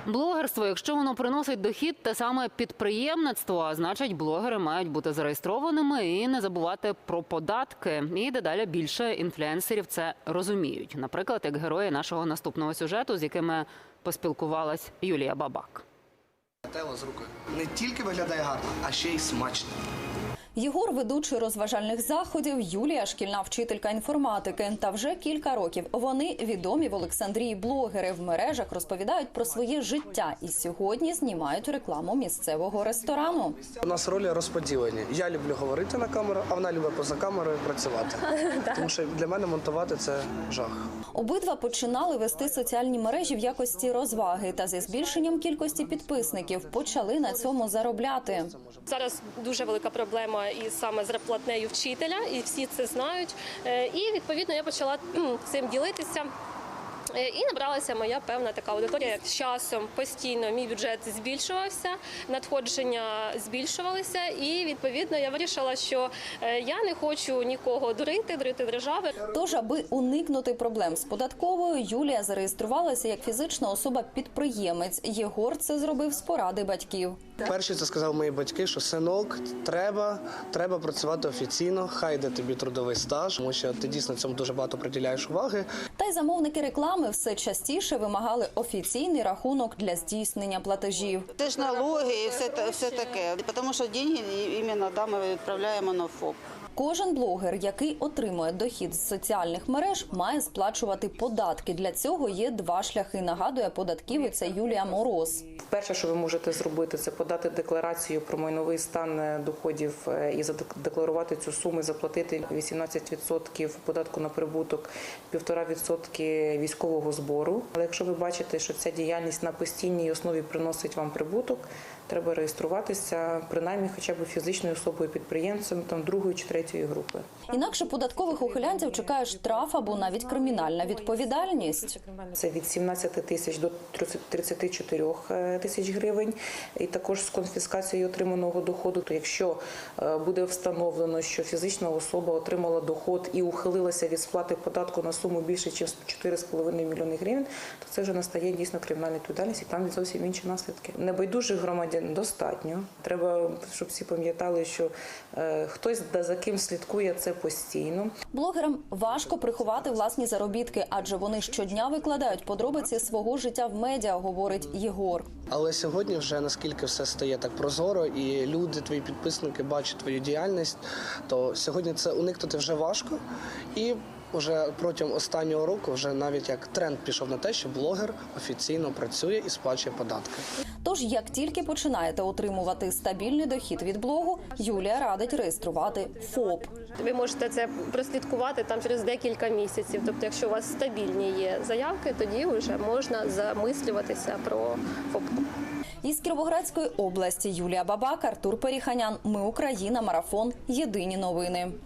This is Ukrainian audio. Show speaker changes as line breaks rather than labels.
Блогерство, якщо воно приносить дохід, те саме підприємництво, а значить блогери мають бути зареєстрованими і не забувати про податки. І дедалі більше інфлюенсерів це розуміють. Наприклад, як герої нашого наступного сюжету, з якими поспілкувалась Юлія Бабак.
Тело з рукою не тільки виглядає гарно, а ще й смачно.
Єгор – ведучий розважальних заходів, Юлія – шкільна вчителька інформатики. Та вже кілька років вони відомі в Олександрії блогери. В мережах розповідають про своє життя і сьогодні знімають рекламу місцевого ресторану.
У нас ролі розподілені. Я люблю говорити на камеру, а вона любить поза камерою працювати. Тому що для мене монтувати – це жах.
Обидва починали вести соціальні мережі в якості розваги. Та зі збільшенням кількості підписників почали на цьому заробляти.
Зараз дуже велика проблема із саме зарплатнею вчителя, і всі це знають. І, відповідно, я почала цим ділитися. І набралася моя певна така аудиторія. З часом постійно мій бюджет збільшувався, надходження збільшувалися. І, відповідно, я вирішила, що я не хочу нікого дурити держави.
Тож, аби уникнути проблем з податковою, Юлія зареєструвалася як фізична особа-підприємець. Єгор це зробив з поради батьків.
Перші це сказали мої батьки, що синок, треба працювати офіційно, хай йде тобі трудовий стаж, тому що ти дійсно цьому дуже багато приділяєш уваги.
Та й замовники реклами все частіше вимагали офіційний рахунок для здійснення платежів.
Це ж налоги і все таке, тому що гроші іменно ми відправляємо на ФОП.
Кожен блогер, який отримує дохід з соціальних мереж, має сплачувати податки. Для цього є два шляхи, нагадує податківиця Юлія Мороз.
Перше, що ви можете зробити, це подати декларацію про майновий стан доходів і задекларувати цю суму, і заплатити 18% податку на прибуток, 1,5% військового збору. Але якщо ви бачите, що ця діяльність на постійній основі приносить вам прибуток, треба реєструватися принаймні хоча б фізичною особою-підприємцем другої чи третьої групи.
Інакше податкових ухилянців чекає штраф або навіть кримінальна відповідальність.
Це від 17 тисяч до 34 тисяч гривень. І також з конфіскацією отриманого доходу. То якщо буде встановлено, що фізична особа отримала доход і ухилилася від сплати податку на суму більше, ніж 4,5 мільйони гривень, то це вже настає дійсно кримінальна відповідальність і там зовсім інші наслідки. Небайдужих громадян достатньо. Треба, щоб всі пам'ятали, що хтось за ким слідкує це постійно.
Блогерам важко приховати власні заробітки, адже вони щодня викладають подробиці свого життя в медіа, говорить Єгор.
Але сьогодні вже наскільки все стає так прозоро і люди, твої підписники бачать твою діяльність, то сьогодні це уникнути вже важко. І вже протягом останнього року вже навіть як тренд пішов на те, що блогер офіційно працює і сплачує податки.
Тож, як тільки починаєте отримувати стабільний дохід від блогу, Юлія радить реєструвати ФОП.
Ви можете це прослідкувати там через декілька місяців. Тобто, якщо у вас стабільні є заявки, тоді вже можна замислюватися про ФОП.
Із Кіровоградської області Юлія Бабак, Артур Періханян. Ми Україна. Марафон. Єдині новини.